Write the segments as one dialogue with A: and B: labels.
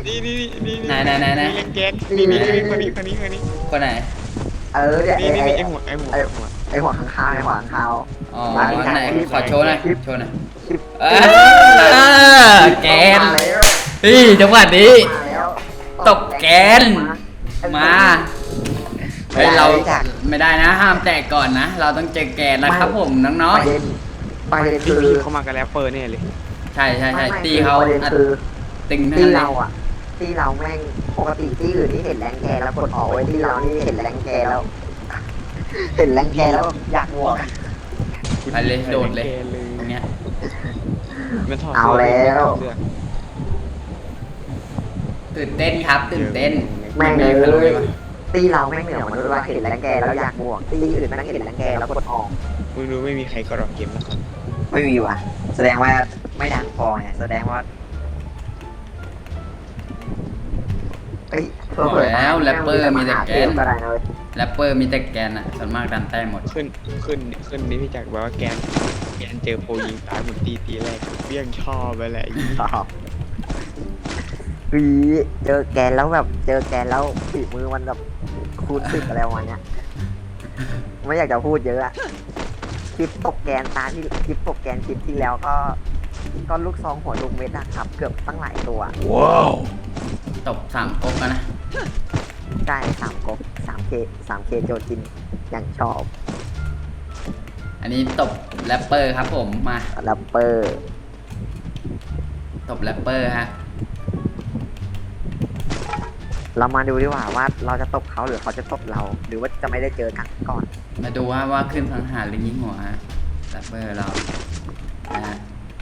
A: นี่
B: ไหน
A: เล่นแก๊กนี่คนนี้
B: คนไหน
C: เนี่ย
A: นี่ไอหัว
C: ไอหัวข้างคาวไอหัวข้างคาว
B: อ๋อไหนขอโชว์หน่อยโชว์หน่อยแกนนี่จังหวะนี้ตกแกนมาเฮ้ยเราไม่ได้นะห้ามแตกก่อนนะเราต้องเจอแกนนะครับผมน้อง
C: ๆประเด็นคือ
A: เขามากับแรปเปอร์เนี่ยเลย
B: ใช่ตีเขาตึงทั้ง
C: ตี
B: นั้นเล
C: เรา
B: ย
C: อ่ะตีเราแม่งปกติตีอื่นที่เห็นแรงแกแล้วกดออกไว้ที่เรานี่เห็นแรงแกแล้ว เห็นแรงแกแล้วอยากบวก
B: ไปเลยโดดเลยตรงเนี้ย
C: เอาแล้ว
B: ตื่นเต้นครับตื่นเต้น
C: แม่ง
B: มี
C: เล
B: ใครรู้ไหม
C: ยว ตีเราแม่งเหนือมนุษย์ว่าเห็นแรงแกแล้วอยากบวกตีอื่นแม่งเห็นแรงแกแล้วกดออก
A: มึงรู้ไม่มีใครกรอกเกมนะครับ
C: ไม่มีว่ะแสดงว่าไม่ดังพอไงแสดงว่าเฮ้ย
B: แล้วแรปเปอร์มีแต่แกน
C: ก็ได้นะเว้ย
B: แรปเปอร์มีแต่แกนอ่ะส่วนมากดันแต้มหมด
A: ขึ้นนี่พี่จักรบอกว่าแกนเจอโปรยิงตายหมดตีแรกเบี้ยงชอบไปแหละ
C: ชอบเจอแกนแล้วแบบเจอแกนแล้วฝีมือมันแบบคูณ10อะไรประมาณเนี้ยไม่อยากจะพูดเยอะอะคลิปตกแกนตาที่คลิปตกแกนคลิปที่แล้วก็ลูกซองหัวลูกเม็ดนะครับเกือบตั้งหลายตัว
B: ว้าวตบ3ก๊กแล้วนะ
C: ใช่3 ก๊ก 3K โจจินอย่างชอบ
B: อันนี้ตบแรปเปอร์ครับผมมา
C: แรปเปอร์
B: ตบแรปเปอร์ฮะ
C: เรามาดูดีกว่าเราจะตบเขาหรือเขาจะตบเรา หรือว่าจะไม่ได้เจอกันก่อน
B: มาดูว่าขึ้นสังหารหรือยิงหัวฮะแรปเปอร์เรานะฮะ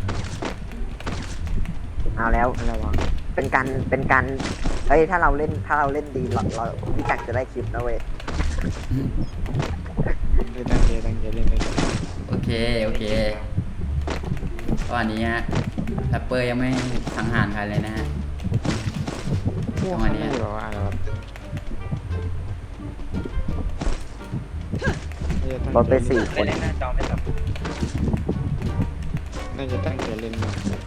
C: เอาแล้วระวังเป็นการเฮ้ยถ้าเราเล่นดีเราพี่จักรจะได้คลิปนะเว้ย
A: ตั้งใจเล่นเลย
B: โอเคตอนนี้ฮะแรปเปอร์ยังไม่สังหารใครเลยนะฮะ
A: จังหวะนี้บอกว่าอะไรวะ
C: รถไป4 คน
A: น่าจะตั้งใจเล่น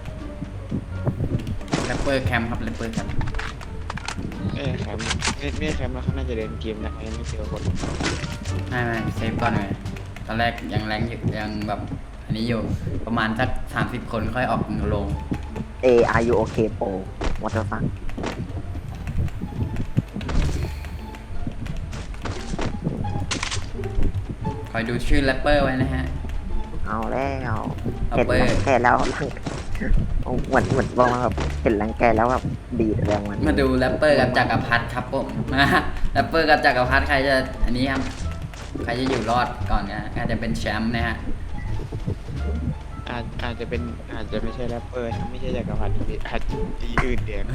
B: แรปเปอร์แคมป์ครับแรปเปอร์แคมป์
A: แคมไม่แคมแล้วเขาน่าจะเดินเกมนะไม่เจอคน
B: ไม่เซฟก่อนเลยตอนแรกยังแรงอยู่ยังแบบอันนี้อยู่ประมาณสัก30 คนค่อยออกลง
C: Are you okay Pro What the fuck
B: คอยดูชื่อแรปเปอร์ไว้นะฮะ
C: เอาแล้ว
B: แร
C: เห็
B: ป
C: น
B: เปอร์
C: แกแล้วเหมือนบอกมาแบบเห็นแรงแกแล้วแบบดีดแรงมัน
B: มาดูแรปเปอร์กับจักรพรรดิครับผมแรปเปอร์กับจักรพรรดิใครจะอันนี้ครับใครจะอยู่รอดก่อนนะอาจจะเป็นแชมป์นะฮะ
A: อาจจะไม่ใช่แรปเปอร์ไม่ใช่จักรพรรดิอาจตีอื่นเดียว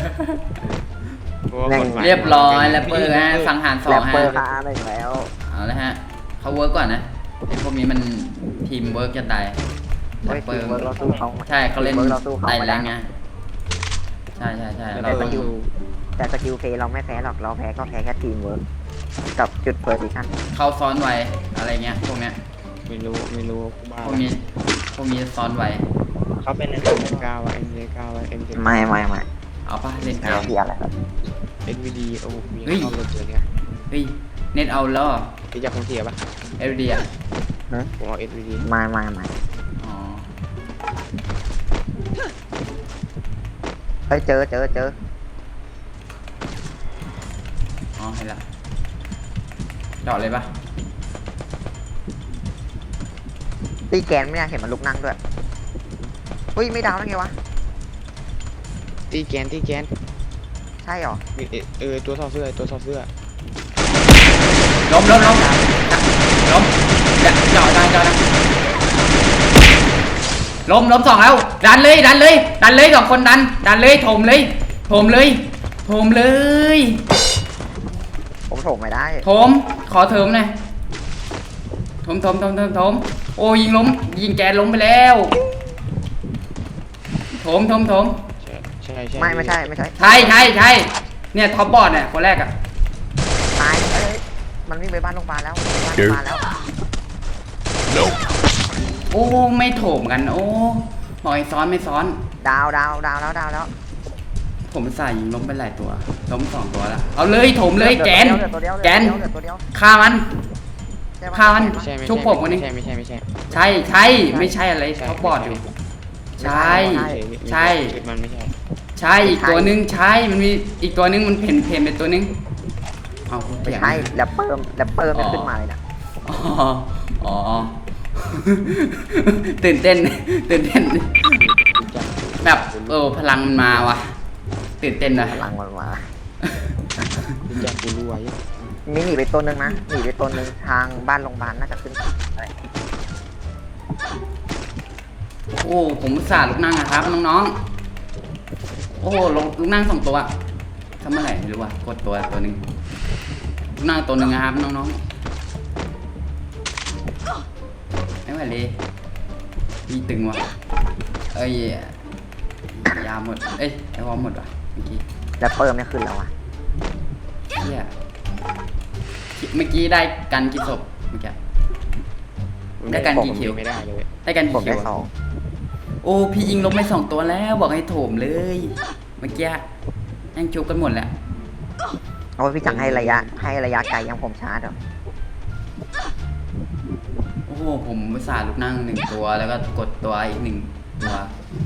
B: เรียบร้อยแรปเปอร์ฮะสังหาร
C: แรป
B: 2
C: เปอ
B: ฮะ
C: ร์มาได้แล้ว
B: เอาละฮะเขาเวิร์กก่อนนะไอ้พวกนี้มันทีมเวิร์กจะตายแรปเปอร์
C: เราสู้เขา
B: ใช่เขาเล่น
C: เราสู้เขา
B: ไต่
C: ไม่
B: แร
C: ได้
B: งไงใช่เรา
C: แต่ส
B: ต้อง
C: กิลแต่สกิลเพย์เราไม่แพ้หรอกเราแพ้ก็แพ้แค่ทีมเวิร์กกับจุดเพอร์ซิชั่น
B: เข้าซ้อนไวอะไรเงี้ยพวกเนี้ย
A: ไม่รู้บ้า
B: พวกนี้ซ้อนไว
A: เขาเป็น MJ9 ว่ะ MJ9 ว่ะ MJ
C: ไม่
B: เอาป่ะเล่นเก
C: เอา
B: ม
C: ที่อะไรครับ
A: NVD โอ้มีเข้าตัวเนี้ย
B: เฮ้ยเน็ตเอาแล้ว
A: พี่จะคงเทียบป่ะ
B: เอลดีอ่ะ
A: ผมเอา NVD
C: ไม่
B: อ๋อ
C: เฮ้ยเจอ
B: อ๋อเห็นละเจาะเลยป่ะ
C: ตีแกนไม่น่าเห็นมันลุกนั่งด้วยเฮ้ยไม่ดาวได้ไงวะ
A: ตีแกน
C: ใช่หรอ
A: ตัวถอดเสื้อ
B: ล้มอย่าเจาะได้ล้ม2แล้วดันเลย2 คนดันเลยถมเลย
C: ผมโถมไม่ได้
B: ขอเถิมหน่อยถมโอ้ยิงแกล้มไปแล้วถม
A: ใช่
C: ไม่ใช่
B: ใช่เนี่ยท็อปบอร์ดเนี่ยคนแรกอ่ะ
C: ตายมันวิ่งไปบ้านโรงพยาบาลแล้ว
B: โอ้ไม่โถมกันโอ้หน่อยซ้อนไม่ซ้อน
C: ดาวแล้ว
B: ผมใส่ยิงล้มไปหลายตัวล้ม2 ตัวแล้วเอาเลยถมเลยแกน
C: เหลือตัวเดียว
B: แกน
C: เหลือตัวเดียว
B: ฆ่ามัน
C: ใช่ปะ
B: ฆ่ามัน
A: ไม่ใช่ไม่
B: ชุบผมวันนี้
A: ไม่ใช่ไม่ใช่ไม่ใช่
B: ใช่ใช่ไม่ใช่อะไรเขาบอดอยู่ ใช่ใช่
A: มันไม่ใช่
B: ใช่อีกตัวนึงใช่มันมีอีกตัวนึงมันเพ่นเป็นตัวนึงเอาพูด
C: ไม่
B: เถียง
C: ใช่แรปเปอร์ไม่ขึ้นมาเลยนะ
B: อ๋ออ๋อ ตื่นเต้นแบบพลังมันมาว่ะตื่นเต้นนะ
C: พลังมันมา
A: รู้จักกูรู้ไว้
C: มีหนีไปตัวหนึ่งนะหนีไปตัวหนึ่งทางบ้านโรงพยาบาลน่าจะขึ้นอะไร
B: โอ้ผมอุตส่าห์ลุกนั่งนะครับน้องๆโอ้ลุกนั่ง2 ตัวทำเมื่อไหร่ไม่รู้ว่ะกดตัวหนึ่งลุกนั่งตัวหนึ่งนะครับน้องๆไม่ไหวเลยมีตึงว่ะเอ้ยยาหมดเอ้ยไอวอมหมดว่ะเมื่อกี้
C: แรปเปอร์ไม่ขึ้นแล้วอ่ะ
B: เฮียเมื่อกี้ได้กันกี่ศพเมื่อกี้ ได้กันกี่คิว
A: ไม่ได้เลย
B: ได้กัน
C: ผม
B: กี่คิ
C: ได้
B: ว
C: 2
B: อะโอ้พี่ยิงลบไป2 ตัวแล้วบอกให้โถมเลย เมื่อกี้ยังชุบกันหมดแหละ
C: เอาพี่จังให้ระยะไกลยังผมชาร์จเหรอ
B: โอ้โหผมอุตส่าห์ลุกนั่ง1 ตัวแล้วก็กดตัวอีก1 ตัว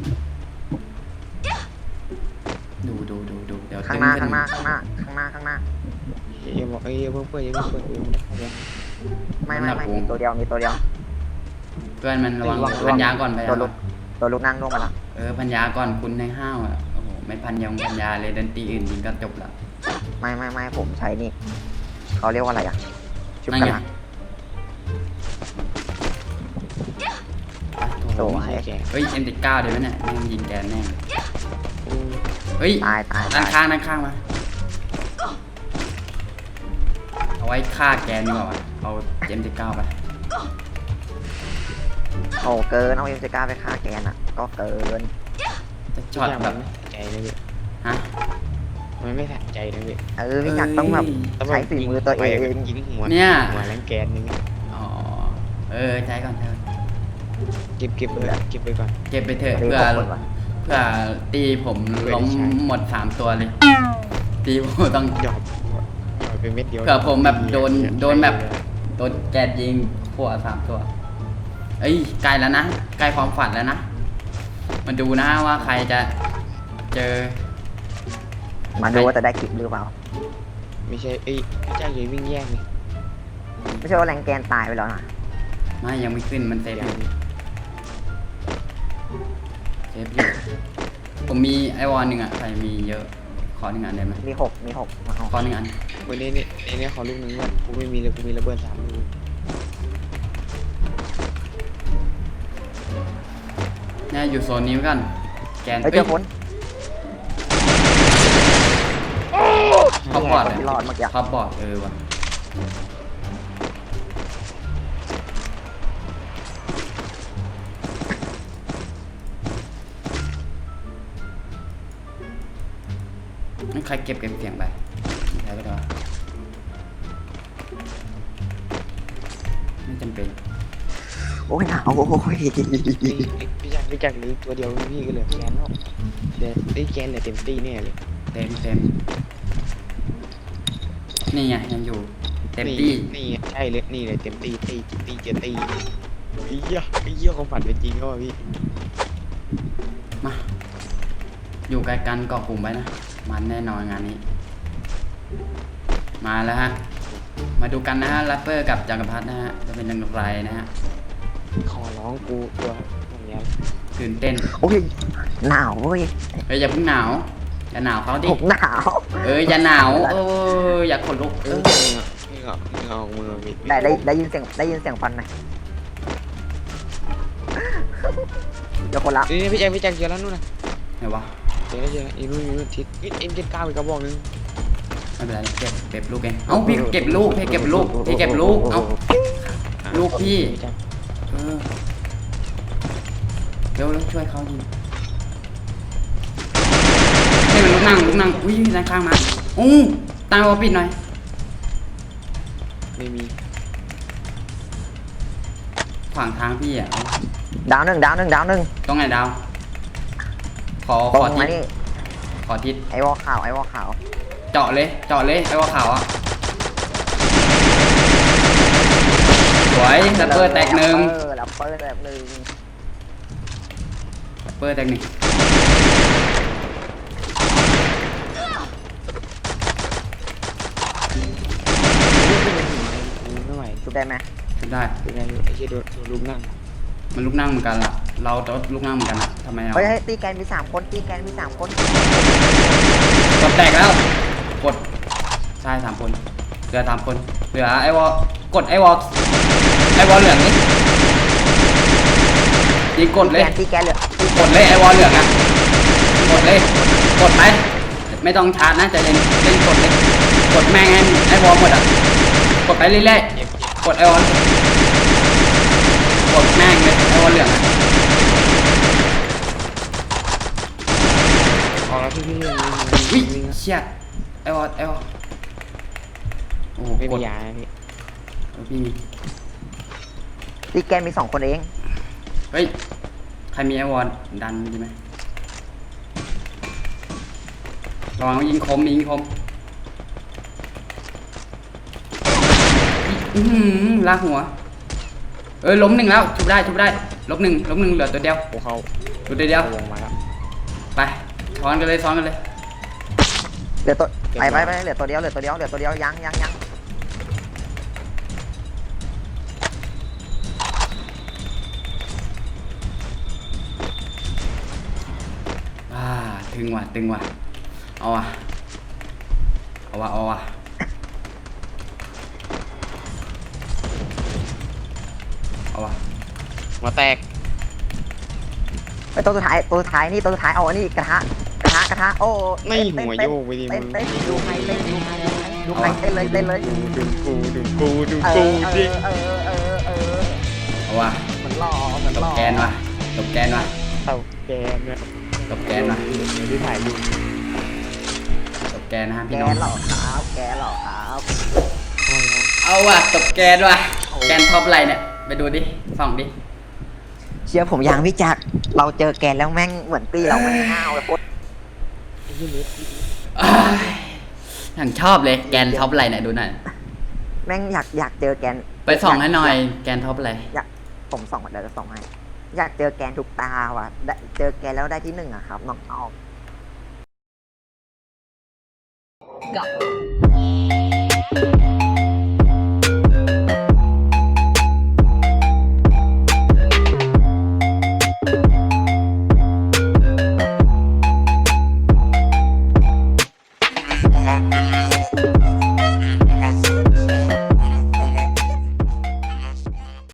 B: ดูเดี๋ยว
C: ข้างหน้า
B: ตึ
C: ข้างหน้า
B: ขึ้
C: ข้างหน้าข้างหน้าข้างหน้า
A: อย่าบอกอย่าเพิ่งเปิดอย่าเพิ่งเปิด
C: ไม่มีตัวเดียวมีตัวเดียว
B: เพื่อนมันระวังพันยาก่อนไป
C: ตัวลูกนั่งลงมาละ
B: พันยาก่อนคุณในห้าวอ่ะโอ้โหไม่พันยาเลยดนตรีอื่นยิงก็จบละ
C: ไม่ผมใช้นี่เขาเรียกว่าอะไรอ่ะชุบ
B: นั่น
C: กระ
B: ไง
C: ลา
B: โถ่
C: สวย
B: เฮ้ย M19 เดี๋ยวเนี่ยแม่งยิงแกนแน่เฮ้ย
C: ตาย
B: ด้านข้างมาเอาไว้ฆ่าแกนดีกว่าวะเอา M19 ไป
C: โอ้เกินเอาM19ไปฆ่าแกนอ่ะก็เกิน
B: จะช็อตแบบ
A: ใจนะพี่
B: ฮะ
A: มันไม่สะใจนะพี่
C: พี่จักรต้องแบบใช้ฝีมือตัวเอง
A: ยิงหัว
B: เนี่ย
A: หัวแรงแกนนึง
B: อ๋อใช้ก่อน
A: เก็บไปก่อน
B: เก็บไปเถอะ
C: ตี
B: เพื่อ
C: ผมก่อน
B: ตีผมล้มหมด3 ตัวเลย ตีผมต้อง
A: หยอดไปเม็ดเดียว
B: เผื่อผมแบบโดนแบบโดนแกนยิงหัว3 ตัวเอ้ยใกล้แล้วนะใกล้ความฝันแล้วนะมาดูนะว่าใครจะเจอ
C: มาดูว่าจะได้คลิปหรือเปล่า
A: ไม่ใช่พี่แจ๊คอย่าวิ่งแย่งนี่
C: ไม่ใช่ว่าแรงแกนตายไปแล้วนะ
B: ไม่ยังไม่ขึ้นมันเซฟอยู่ผมมีไอวอน1อ่ะใครมีเยอะขอ1 อันได้ไหม
C: มี6มาเอา
B: ขอ1 อัน
A: วันนี้เนี่ยขอลูกนึงว่ากูไม่มีเลยกูมีระเบิด3 ลูก
B: เนี่ยอยู่โซนนี้ไว้กันแกน
C: เฮ้ยเจอคน
B: ท็อปบอร์ด
C: ที่รอดเมื่อกี้
B: ท็อปบอร์ดว่ะนี่ใครเก็บเสียงไปใช้ไปด้วยไม่จำเป็น
C: โอ้ยหนาวโอ้ย
A: พี่จักรเหลือตัวเดียวพี่ก็เหลือแกนแล้วเดี๋ยวได้แกนเหลือเต็มตีแน่เลย
B: เต็มนี่ไงยังอยู่เต็มที่
A: นี่ใช่เลยนี่เลยเต็มตีจะตีไอ้เหี้ยความฝันเป็นจริงก็ว่ะพี่
B: มาอยู่ใกล้กันเกาะกลุ่มไว้นะมันแน่นอนงานนี้ มาแล้วฮะมาดูกันนะฮะแรปเปอร์กับจักรพรรดินะฮะจะเป็นอย่างไรนะฮะ
A: ขอร้องกูตัวอย่างเงี้ย
B: ตื่นเต้น
C: โอ้ยหนาวเว้ย
B: เฮ้ยอย่าเพิ่งหนาวอย่าหนาวเขาดิ
C: ผมหนาว
B: อย่าหนาวอย่าขนลุก
A: เหงามือมี
C: แต่ได้ยินเสียงฟันไหมเดี๋ยวคนละ
A: นี่พี่แจ็คเจอแล้วนู่นนะ
B: ไหนวะ
A: เจอแล้วอีนู่นทิศM79อีกกระบอกนึง
B: ไม่เป็นไรเก็บลูกเองเอ้าพี่เก็บลูกพี่เก็บลูกเอ้าลูกพี่เร็วช่วยเขาดิให้มันลุกนั่งอุ้ยด้านข้างมาตามวอปิดหน่อย
A: ไม่มี
B: ขวางทางพี่อ่ะ
C: ดาวหนึ่ง
B: ตรงไหนดาวขอ
C: ตรง
B: ที
C: มานี่
B: ขอทิศ
C: ไอ้วอลขาวไอ้วอลขาว
B: เจาะเลยไอ้วอขาวอ่ะสวยแรปเปอร์แตกหนึ่ง
C: แรปเปอร์แตกหนึ่ง
B: แรปเปอร์แตกหนึ่ง
A: ไม่ไหว
C: ชุบได้ไหม
B: ชุดได้
A: เป็นไงไอ้เชี่ยโดนลุมนั่ง
B: มันลุกนั่งเหมือนกันล่ะเราจะลุกนั่งเหมือนกันอ่ะทำไมอ่ะ
C: เฮ้ยตีแกนมี3 คนตีแกนมี3 คน
B: กดแตกแล้วกดใช่3 คนเหลือ3 คนเหลือไอ้วอกดไอ้วอเหลืองนี่ยิงกดเลย
C: ตีแกนเหลือก
B: ดเลยไอ้วอลเหลืองอะกดเลยกดไปไม่ต้องชาร์จนะใจเย็นเล่นกดเลยกดแม่งให้ไอ้วอลหมดอ่ะกดไปเรื่อยๆกดไอ้วอลกดแม่งเลยไอ้วอลเหลืองอะ
A: ออกแล้วพี่
B: วิ่งเชี่ยไอ้วอลโอ้โห
A: ไม่
B: ก
A: มี
B: ด
A: ยาพี่
B: พี่มี
C: ตีแกนมี2 คนเอง
B: เฮ้ยใครมีไอ้วอลดันดีไหมระวังยิงคมลากหัวล้ม1แล้วชุบได้ล้มหนึ่งเหลือตัวเดียว
A: โอ้เขา
B: ตัวเดียว
A: วงมาแล้ว
B: ไปซ้อนกันเลย
C: เหลือตัวไปเหลือตัวเดียวยัง
B: ตึงว่ะเอาว่ะ
A: หัวแตก
C: ไปตัวสุดท้ายเอาอันนี้กระทะโอ้
A: ไม่หัวโยกไปดิมึง
C: เต้นดูใครเต้นเลย
A: ดูกูดิ
B: เอาว่ะ
C: เหมือนหล่อ
B: ตบแกนว่ะ
A: เต่าแกนเนี่ย
B: ตบแกนว่ะ
A: ที่ถ่ายดู
B: ตบแกนนะฮะ
C: แก
B: พี่น้อง
C: หล่อครับ
B: เอาว่ะตบแกนว่ะแกนท็อปไรเนี่ยไปดูดิส่องดิ
C: เชื่อผมยังพี่จักรเราเจอแกนแล้วแม่งเหมือนปีเราไม่ห้าวเลยโคตร
B: อย่างชอบเลยแกนท็อปไรเนี่ยดูหน่อย
C: แม่งอยากเจอแกน
B: ไปส่องให้หน่อยแกนท็อปไร
C: ผมส่องเดี๋ยวจะส่องให้อยากเจอแกนทุกตาว่ะเจอแกนแล้วได้ที่1อะครับน้องออก